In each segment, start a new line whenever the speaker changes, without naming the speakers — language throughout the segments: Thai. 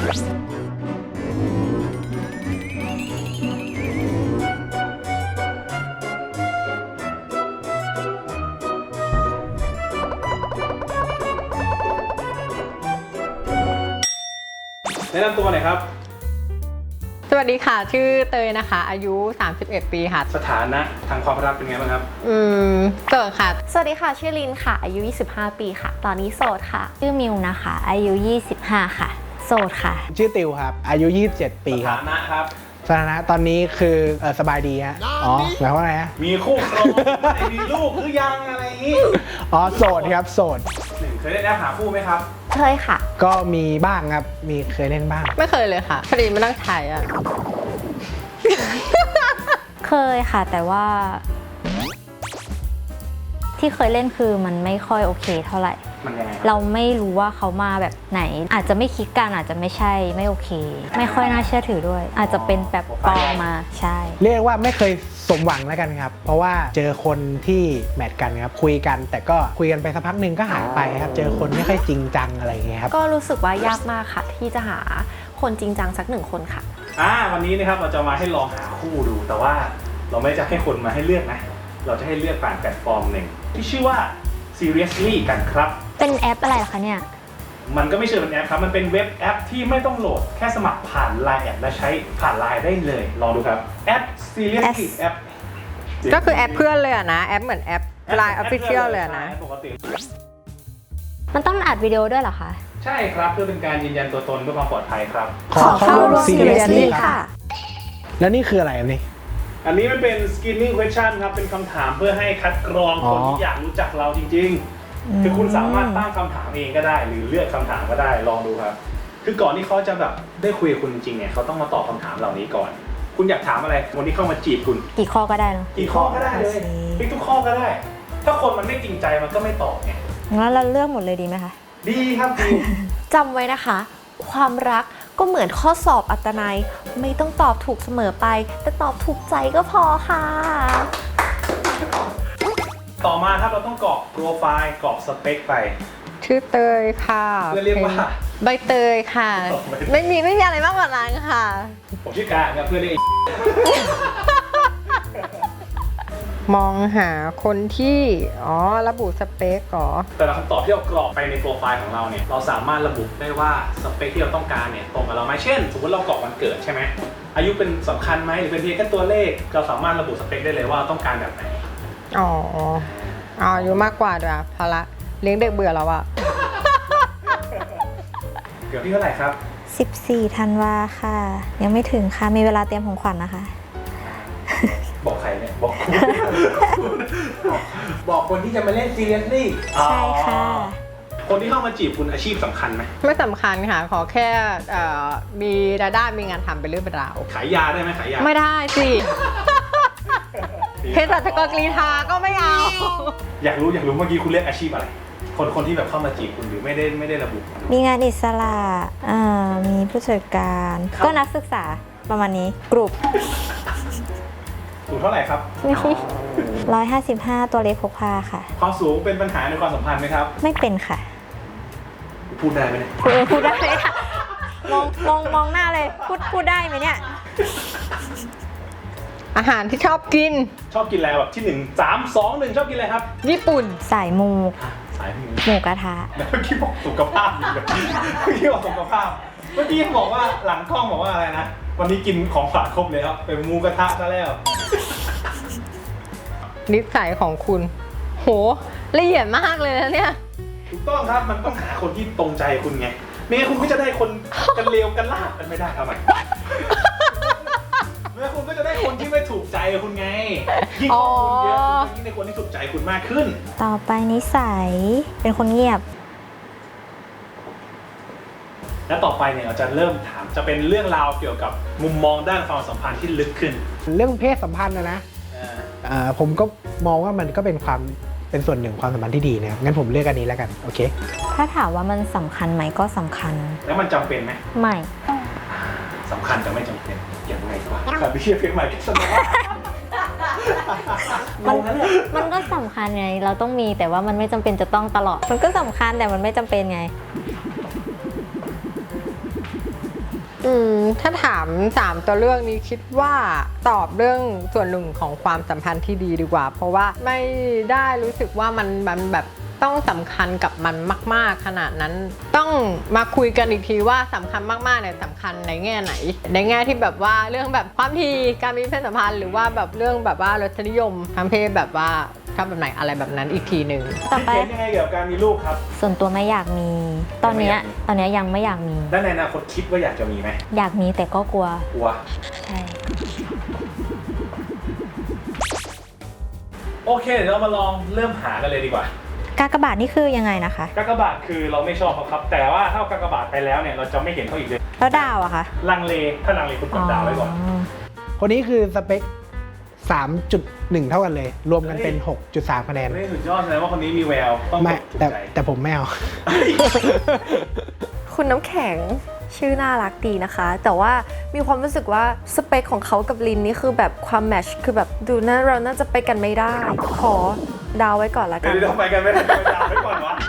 แนะนำตัวหน่อยครับ
สวัสดีค่ะชื่อเตยนะคะอายุ31ปีค่ะ
สถานะทางความรักเป็นไงบ้างครับ
โสดค่ะ
สวัสดีค่ะชื่อลินค่ะอายุ25ปีค่ะตอนนี้โสดค่ะ
ชื่อมิวนะคะอายุ25ค่ะโสดค่ะ
ชื่อติวครับอายุ27ปีครับ
สถานะครับ
สถานะตอนนี้คือสบายดีฮะอ๋อหมายความว่าไงฮะ
มีคู่ครองมีลูกหรือยังอะไรอย่างนี้
อ๋อโสดครับโสด
เคยได้แอปหาคู่ไหมครับ
เคยค่ะ
ก็มีบ้างครับมีเคยเล่นบ้าง
ไม่เคยเลยค่ะพอดีไม่ต้องถ่ายอะ
เคยค่ะแต่ว่าที่เคยเล่นคือมันไม่ค่อยโอเคเท่าไหร่
มันยังไง
เราไม่รู้ว่าเขามาแบบไหนอาจจะไม่คลิกกันอาจจะไม่ใช่ไม่โอเคไม่ค่อยน่าเชื่อถือด้วยอาจจะเป็นแบบปลอมมาใช่
เรียกว่าไม่เคยสมหวังแล้วกันครับเพราะว่าเจอคนที่แมทกันครับคุยกันแต่ก็คุยกันไปสักพักหนึ่งก็หายไปครับเจอคนไม่ค่อยจริงจังอะไรอย่างเงี้ยครับ
ก็รู้สึกว่ายากมากค่ะที่จะหาคนจริงจังสัก1คนค่ะ
วันนี้นะครับเราจะมาให้ลองหาคู่ดูแต่ว่าเราไม่จะให้คนมาให้เลือกนะเราจะให้เลือกผ่านแพลตฟอร์มหนึ่งที่ชื่อว่า Seriously กันครับ
เป็นแอปอะไรคะเนี่ย
มันก็ไม่เชิงเป็นแอปครับมันเป็นเว็บแอปที่ไม่ต้องโหลดแค่สมัครผ่าน Line แอดและใช้ผ่าน Line ได้เลยลองดูครับแอป Seriously แอป
ก็คือแอปเพื่อนเลยอะนะแอปเหมือนแอป Line Official เลยนะ
ปกติ
มันต้องอัดวิดีโอด้วยเหรอคะ
ใช่ครับเพื่อเป็นการยืนยันตัวตนเพื่อความปลอดภัยครับ
ขอเข้าร่วม
Seriously ค่ะ
แล้วนี่คืออะไรอันนี้
อันนี้มันเป็น screening question ครับเป็นคำถามเพื่อให้คัดกรองคนที่อยากรู้จักเราจริงๆคือคุณสามารถตั้งคำถามเองก็ได้หรือเลือกคำถามก็ได้ลองดูครับคือก่อนที่เขาจะแบบได้คุยกับคุณจริงๆเนี่ยเขาต้องมาตอบคำถามเหล่านี้ก่อนคุณอยากถามอะไรคนที่เข้ามาจีบคุณ
กี่ข้อก็ได้เนาะ
กี่ข้อก็ได้เลยพิกทุกข้อก็ได้ถ้าคนมันไม่จริงใจมันก็ไม่ตอบไง
งั้นเราเลือกหมดเลยดีไหมคะ
ดีครับดี
จำไว้นะคะความรักก็เหมือนข้อสอบอัตนัยไม่ต้องตอบถูกเสมอไปแต่ตอบถูกใจก็พอค่ะ
ต่อมาครับเราต้องกรอกโปรไฟล์กรอกสเปคไป
ชื่อเตยค่ะ
เพื่อเรียกว่า
ใบเตยค่ะไม่มีอะไรมากกว่านั้นค่ะ
ผมชื่อการครับเพื่อเรียก
มองหาคนที่ระบุสเปคก่อ
แต่ละคำตอบที่เรากรอกไปในโปรไฟล์ของเราเนี่ยเราสามารถระบุได้ว่าสเปคที่เราต้องการเนี่ยตรงกับเราไหมเช่นสมมติเรากรอกวันเกิดใช่ไหมอายุเป็นสำคัญไหมหรือเป็นเพียงแค่ตัวเลขเราสามารถระบุสเปคได้เลยว่าต้องการแบบไหน
อายุมากกว่าด้วยพอละเลี้ยงเด็กเบื่อแล้วอะ
เดี๋ยวที่เท่าไหร่ครับ
14 ธันวาค่ะยังไม่ถึงค่ะมีเวลาเตรียมของขวัญนะคะ
บอกใครเนี่ยบอกคนที่จะมาเล่น Seriously
ใช่ค่ะ
คนที่เข้ามาจีบคุณอาชีพสำคัญไหม
ไม่สำคัญค่ะขอแค่มีรายได้มีงานทำเป็นเรื่องเป็นราว
ขายยาได้ไหมขายยา
ไม่ได้สิเภสัชกรกรีฑาก็ไม่เอา
อยากรู้เมื่อกี้คุณเรียกอาชีพอะไรคนที่แบบเข้ามาจีบคุณหรือไม่ได้ระบุ
มีงานอิสระมีผู้จัดการก็นักศึกษาประมาณนี้กลุ่ม
สูงเท่าไหร่ครับ
155ตัวเล็กพกพาค่ะ
ความสูงเป็นปัญหาในความสัมพันธ์ไหมครับ
ไม่เป็นค่ะ
พูดได้ไหมเนี่ย
พูดได้ค่ะมองหน้าเลยพูดได้ไหมเนี่ย
อาหารที่ชอบกิน
อะไรแบบที่1 3 2 1ชอบกินอะไรครับ
ญี่ปุ่น
สายมูหมูกระทะ
เมื่อกี้บอกสุขภาพเมื่อกี้บอกสุขภาพเมื่อกี้บอกว่าหลังกล้องบอกว่าอะไรนะวันนี้กินของฝากครบเลยครับเป็นหมูกระทะซะแล้ว
นิสัยของคุณโหละเอียดมากเลยนะเนี่ย
ถูกต้องครับมันต้องหาคนที่ตรงใจคุณไงไม่งั้นคุณก็จะได้คนกันเลวกันลาบกันไม่ได้ทำไมเมื่อคุณก็จะได้คนที่ไม่ถูกใจคุณไงยิ่งข้อมูลเยอะยิ่งได้คนที่ถูกใจคุณมากขึ้น
ต่อไปนิสัยเป็นคนเงียบ
และต่อไปเนี่ยเราจะเริ่มถามจะเป็นเรื่องราวเกี่ยวกับมุมมองด้านความสัมพันธ์ที่ลึกขึ้น
เรื่องเพศสัมพันธ์นะผมก็มองว่ามันก็เป็นส่วนหนึ่งความสัมพันธ์ที่ดีนะครับงั้นผมเลือกอันนี้แล้วกันโอเค
ถ้าถามว่ามันสำคัญไหมก็สำคัญ
แล้วมันจำเป็นไหม
ไม่
สำคัญแต่ไม่จำเป็นอย่างไรวะครับพี่เชื่อเพียงใหม่แสดง
มันก็สำคัญไงเราต้องมีแต่ว่ามันไม่จำเป็นจะต้องตลอดมันก็สำคัญแต่มันไม่จำเป็นไง
ถ้าถาม3ตัวเลือกนี้คิดว่าตอบเรื่องส่วนหนึ่งของความสัมพันธ์ที่ดีดีกว่า เพราะว่าไม่ได้รู้สึกว่ามันแบบต้องสำคัญกับมันมากๆขนาดนั้นต้องมาคุยกันอีกทีว่าสำคัญมากๆเนี่ยสำคัญในแง่ไหน ในแง่ที่แบบว่าเรื่องแบบความถี่การมีเพศสัมพันธ์หรือว่าแบบเรื่องแบบว่ารสนิยมทางเพศแบบว่าชอบแบบไหนอะไรแบบนั้นอีกทีหนึ่ง
ต่อไป
เห็นยังไงเกี่ยวกับการมีลูกครับ
ส่วนตัวไม่อยากมี ตอนเนี้ยยังไม่อยากมี
และในอนาคตคิดว่าอยากจะมีไหม
อยากมีแต่ก็กลัว
กลัว
ใช่
โอเคเดี๋ยวเรามาลองเริ่มหากันเลยดีกว่า
กากบาทนี่คือยังไงนะคะ
กากบาทคือเราไม่ชอบเขาครับ แต่ว่าถ้ากากบาทไปแล้วเนี่ยเราจะไม่เห็นเขาอีกเลย
แล้วดาวอะคะ
ลังเลถ้าลังเลคุณกดดาวไว้ก่อน
คนนี้คือสเปค 3.1 เท่ากันเลย รวมกันเป็น 6.3 คะแนน
ไม่สุดยอดเลยว่าคนนี้มีแววต้อง
ไม่
ถูก
แต่
ใจ
แต่ผมไม่เอา
คุณน้ำแข็งชื่อน่ารักดีนะคะ แต่ว่ามีความรู้สึกว่าสเปคของเขากับลินนี่คือแบบความแมทช์คือแบบดูน่าเราน่าจะไปกันไม่ได้ ขอดาวไว้ก่อนละกัน
เดี๋ยวไปกันไม่ได้ไปดาวไว้ก่อนวะ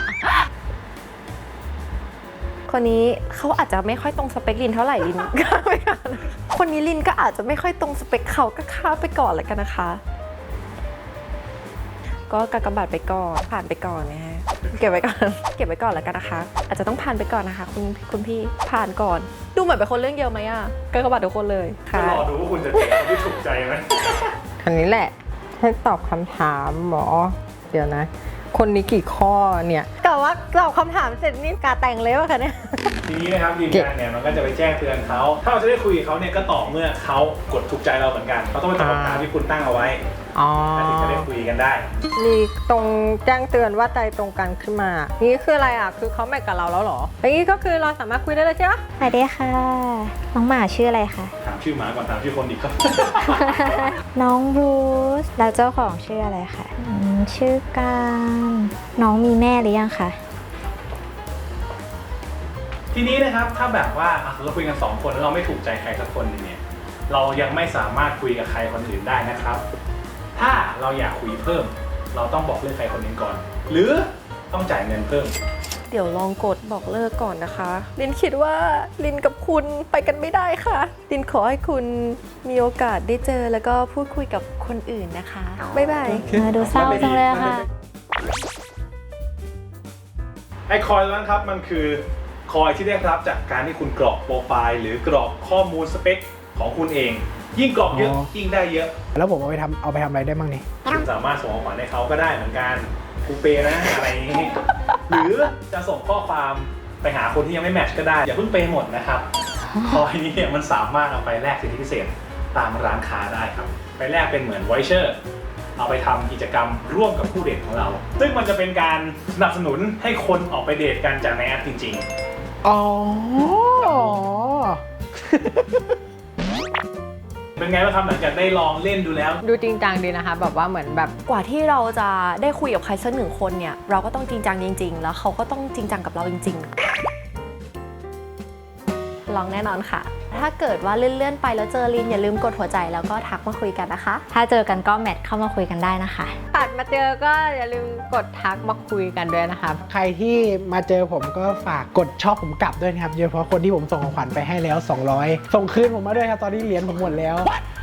คนนี้เขาอาจจะไม่ค่อยตรงสเปคลินเท่าไหร่ลิน ข้ามไปก่อนคนนี้ลินก็อาจจะไม่ค่อยตรงสเปคเขาก็ข้ามไปก่อนละกันนะคะ ก็กากบาทไปก่อนผ่านไปก่อนนะฮะเก็บไว้ก่อน เก็บไว้ก่อนแล้วกันนะคะ อาจจะต้องผ่านไปก่อนนะคะคุณพี่ผ่านก่อน ดูเหมือนเป็นคนเรื่องเยอะไหมอะกากบาททุกคนเลย
จะ
ค่ะ
รอดูว่าคุณจะเจอคนที่ถูกใจไหม
อันนี้แหละให้ตอบคำถามหมอ เดี๋ยวนะ คนนี้กี่ข้อเนี่ยแต่ว่าตอบคำถามเสร็จนี่กาแต่งเลยว่ะคะเนี่ย
ทีนี้นะครับทีมงานเนี่ยมันก็จะไปแจ้งเตือนเขาถ้าเราจะได้คุยกับเขาเนี่ยก็ต่อเมื่อเขากดถูกใจเราเหมือนกันเขาต้องไปตอบคำถามที่คุณตั้งเอาไว้
อ๋อ
แล้วถึงจะได้คุยกันได้
มีตรงแจ้งเตือนว่าใจตรงกันขึ้นมา นี่คืออะไรอ่ะ คือเขาแมทกับเราแล้วเหรออย่างนี้ก็คือเราสามารถคุยได้เลยใช่ไหม
สวัสดีค่ะ น้องหมาชื่ออะไรคะ
ถามชื่อหมาก่อนถามชื่อคนดีครับ
น้องบรูซแล้วเจ้าของชื่ออะไรคะชื่อการน้องมีแม่หรือยังคะ
ทีนี้นะครับถ้าแบบว่าเราคุยกัน2คนแล้วเราไม่ถูกใจใครสักคนหนึงเนี่ยเรายังไม่สามารถคุยกับใครคนอื่นได้นะครับ ถ้าเราอยากคุยเพิ่ม เราต้องบอกเลิกใครคนหนึงก่อน หรือต้องจ่ายเงินเพิ่ม
เดี๋ยวลองกดบอกเลิกก่อนนะคะ ลินคิดว่าลินกับคุณไปกันไม่ได้ค่ะ ลินขอให้คุณมีโอกาสได้เจอแล้วก็พูดคุยกับคนอื่นนะคะ บ๊ายบาย
ดูเศร้าจังเลยอะค่ะ
ไอ้คอยนั้นครับมันคือคอยที่ได้รับจากการที่คุณกรอกโปรไฟล์หรือกรอกข้อมูลสเปคของคุณเอง ยิ่งกรอกเยอะ
อ๋อ
ยิ่งได้เยอะ
แล้วผมเอาไปทำอะไรได้บ้างนี่
คุณสามารถส่งของขวัญให้เขาก็ได้เหมือนกันคูเปนะอะไรอย่างนี้ หรือจะส่งข้อความไปหาคนที่ยังไม่แมทช์ก็ได้ อย่าเพิ่งเปย์หมดนะครับ คอยนี้เนี่ยมันสามารถเอาไปแลกสิทธิพิเศษตามร้านค้าได้ครับ ไปแลกเป็นเหมือนไวเชอร์ เอาไปทำกิจกรรมร่วมกับคู่เดทของเรา ซึ่งมันจะเป็นการสนับสนุนให้คนออกไปเดทกันจากในแอปจริง
อ๋อ
ๆ เป็นไงบ้างครับหลังจากได้ลองเล่นดูแล้ว
ดูจริงจังดีนะคะ แบบว่าเหมือนแบบ
กว่าที่เราจะได้คุยกับใครสักหนึ่งคนเนี่ย เราก็ต้องจริงจังจริง ๆ แล้วเขาก็ต้องจริงจังกับเราจริง ๆ ลองแน่นอนค่ะ ถ้าเกิดว่าเลื่อนๆไปแล้วเจอลินอย่าลืมกดหัวใจแล้วก็ทักมาคุยกันนะคะ
ถ้าเจอกันก็แมทเข้ามาคุยกันได้นะคะ
ตัดมาเจอก็อย่าลืมกดทักมาคุยกันด้วยนะคะ
ใครที่มาเจอผมก็ฝากกดชอบผมกลับด้วยนะครับโดยเฉพาะคนที่ผมส่งของขวัญไปให้แล้ว 200 ส่งคืนผมมาด้วยครับ ตอนนี้เหรียญผมหมดแล้ว